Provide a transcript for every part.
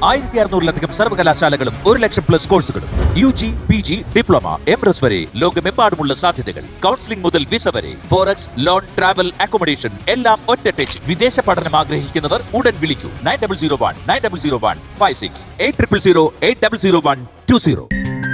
1600-ലധികം സർവകലാശാലകളും 1,00,000+ കോഴ്സുകളും UG, PG, diploma, MS വരെ ലോകമെമ്പാടുമുള്ള സാധ്യതകൾ. കൗൺസിലിംഗ് മുതൽ വിസ വരെ, ഫോറക്സ്, ലോൺ, ട്രാവൽ, അക്കോമഡേഷൻ എല്ലാം ഒറ്റ ടച്ച്. വിദേശ പഠനം ആഗ്രഹിക്കുന്നവർ ഉടൻ വിളിക്കൂ 9001 56 800120.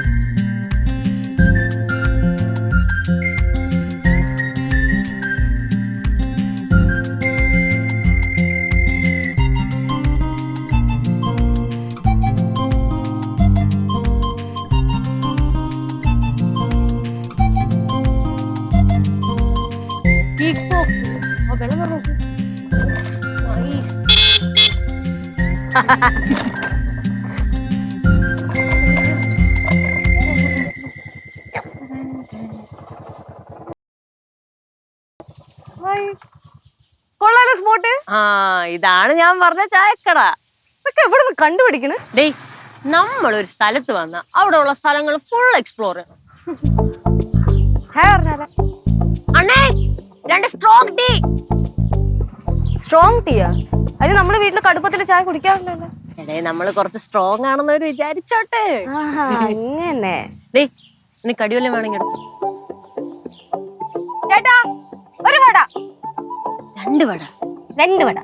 കൊള്ളാലോ സ്പോട്ട്. ഇതാണ് ഞാൻ പറഞ്ഞ ചായക്കട. ഇതൊക്കെ എവിടെ നിന്ന് കണ്ടുപിടിക്കണ്? ഡേയ്, നമ്മളൊരു സ്ഥലത്ത് വന്ന അവിടെ ഉള്ള സ്ഥലങ്ങൾ ഫുൾ എക്സ്പ്ലോർ ചെയ്യണം. ചായ പറഞ്ഞാലേ അണ്ണേ, 2 സ്ട്രോങ് ടീ. സ്ട്രോങ് ടീയാ? അതിന് നമ്മുടെ വീട്ടില് കടുപ്പത്തില് ചായ കുടിക്കാറില്ലല്ലോ. എടേ, നമ്മള് കുറച്ച് സ്ട്രോങ് ആണെന്നവര് വിചാരിച്ചോട്ടെ. അങ്ങനെ. ഡേയ്, ഇനി കടിവല്ലം വേണമെങ്കിൽ എടുത്തു. ചേട്ടാ, ഒരു വട. 2 വട. 2 വട.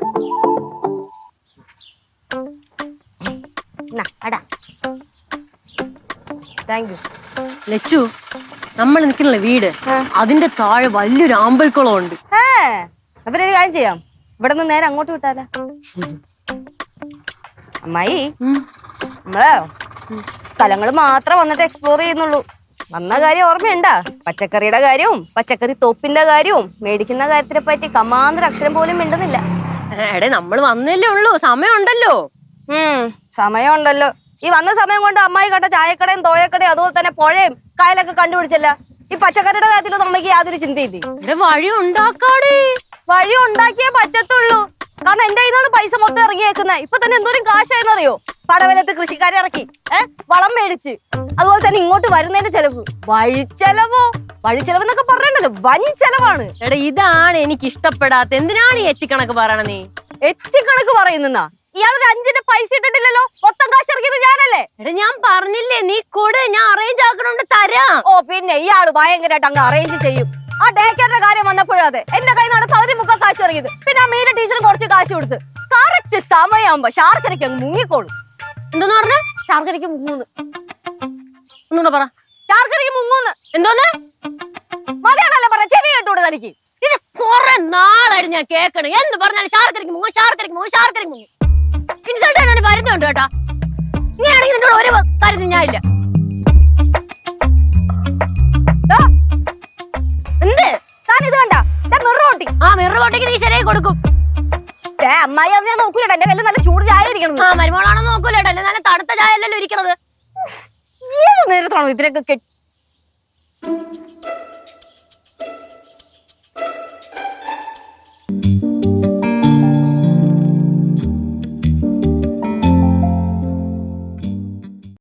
Thank you. ലച്ചു, നമ്മൾ നിൽക്കണല്ലേ വീട്, അതിന്റെ താഴെ വലിയൊരു ആമ്പൽക്കുളം ഉണ്ട്. അപ്പൊ ഒരു കാര്യം ചെയ്യാം, ഇവിടെ നിന്ന് നേരെ അങ്ങോട്ട് വിട്ടാലോ? അമ്മായി, നമ്മള് സ്ഥലങ്ങൾ മാത്രം വന്നിട്ട് എക്സ്പ്ലോർ ചെയ്യുന്നുള്ളൂ. വന്ന കാര്യം ഓർമ്മയുണ്ടാ? പച്ചക്കറിയുടെ കാര്യവും പച്ചക്കറി തോപ്പിന്റെ കാര്യവും മേടിക്കുന്ന കാര്യത്തിനെ പറ്റി കമാന്തര അക്ഷരം പോലും മിണ്ടുന്നില്ല. എടേ, നമ്മൾ വന്നല്ലേ ഉള്ളൂ, സമയമുണ്ടല്ലോ. സമയമുണ്ടല്ലോ. ഈ വന്ന സമയം കൊണ്ട് അമ്മായി കണ്ട ചായക്കടയും തോയക്കടയും അതുപോലെ തന്നെ പുഴയും കായലൊക്കെ കണ്ടുപിടിച്ചല്ല. ഈ പച്ചക്കറിയുടെ കാര്യത്തിലൊന്നും അമ്മയ്ക്ക് യാതൊരു ചിന്തയില്ലേ? വഴി ഉണ്ടാക്കാടേ. വഴി ഉണ്ടാക്കിയേ പറ്റത്തുള്ളൂ. കാരണം എന്റെ കയ്യിലാണ് പൈസ മൊത്തം ഇറങ്ങിയേക്കുന്നത്. ഇപ്പൊ തന്നെ എന്തോരം കാശായെന്നറിയോ? പടവലത്ത് കൃഷിക്കാരെ ഇറക്കി, വളം മേടിച്ച്, അതുപോലെ തന്നെ ഇങ്ങോട്ട് വരുന്നതിന്റെ ചെലവ്, വഴിച്ചെലവോ വഴിച്ചെലവെന്നൊക്കെ പറഞ്ഞല്ലോ, വൻ ചെലവാണ്. എടാ, ഇതാണ് എനിക്ക് ഇഷ്ടപ്പെടാത്ത. എന്തിനാണ് ഈ എച്ചിക്കണക്ക് പറയണ? നീ എച്ചിക്കണക്ക് പറയുന്നാ? ഇയാളൊരു 5-ന്റെ പൈസ ഇട്ടിട്ടില്ലല്ലോ, മൊത്തം കാശ് ഇറക്കിയത് ഞാനല്ലേ? എടാ, ഞാൻ പറഞ്ഞില്ലേ, നീ കൂടെ ഞാൻ അറേഞ്ച് ആക്കണോണ്ട് തരാം. ഓ പിന്നെ ഇയാള് ഭയങ്കരമായിട്ട് അങ്ങ് അറേഞ്ച് ചെയ്യും. ആ ഡേ കെയറിന്റെ കാര്യം വന്നപ്പോഴും അതെ, എന്റെ കയ്യിൽ നിന്നാണ് 13 കാശ് ഇറങ്ങിയത്. പിന്നെ ആ മീര ടീച്ചറും കുറച്ച് കാശ് കൊടുത്ത് കറക്റ്റ് സമയമാകുമ്പോ ശാർക്കരയ്ക്ക് അങ്ങ് മുങ്ങിക്കോളും. എന്തോന്ന് പറഞ്ഞ? ശാർക്കരയ്ക്ക് മുങ്ങൂന്ന്. ഒന്നുകൂടെ പറ. ശാർക്കരയ്ക്ക് മുങ്ങൂന്ന്. എന്തോന്ന്? മലയാളല്ലേ പറ, ചെവി കേട്ടൂടെ തനിക്ക്? ഇത് കുറെ നാളായിട്ട് ഞാൻ കേൾക്കണം. എന്ത് പറഞ്ഞാലും ശാർക്കരയ്ക്ക് മുങ്ങും, ശാർക്കരയ്ക്ക് മുങ്ങും, ശാർക്കരയ്ക്ക് മുങ്ങും. ഇൻസൾട്ട് ആണ് വരുന്നുണ്ട് കേട്ടാ. ഇങ്ങനെയാണെങ്കിൽ നിന്നോട് ഒരു കാര്യത്തിൽ ഞാൻ ഇല്ല. എന്ത്? ഇത് കണ്ട മിറോട്ടി. ആ മിറോട്ടിക്ക് നീ ശരിയായി കൊടുക്കും. അമ്മായി അത് ഞാൻ നോക്കൂല, എന്റെ കയ്യിൽ നല്ല ചൂട് ചായ ഇരിക്കണം. ആ മരുമോളാണോ നോക്കൂല, എന്റെ നല്ല തണുത്ത ചായ അല്ലല്ലോ ഇരിക്കണത്. ഏത് നേരത്താണോ ഇതിനൊക്കെ കെട്ടി?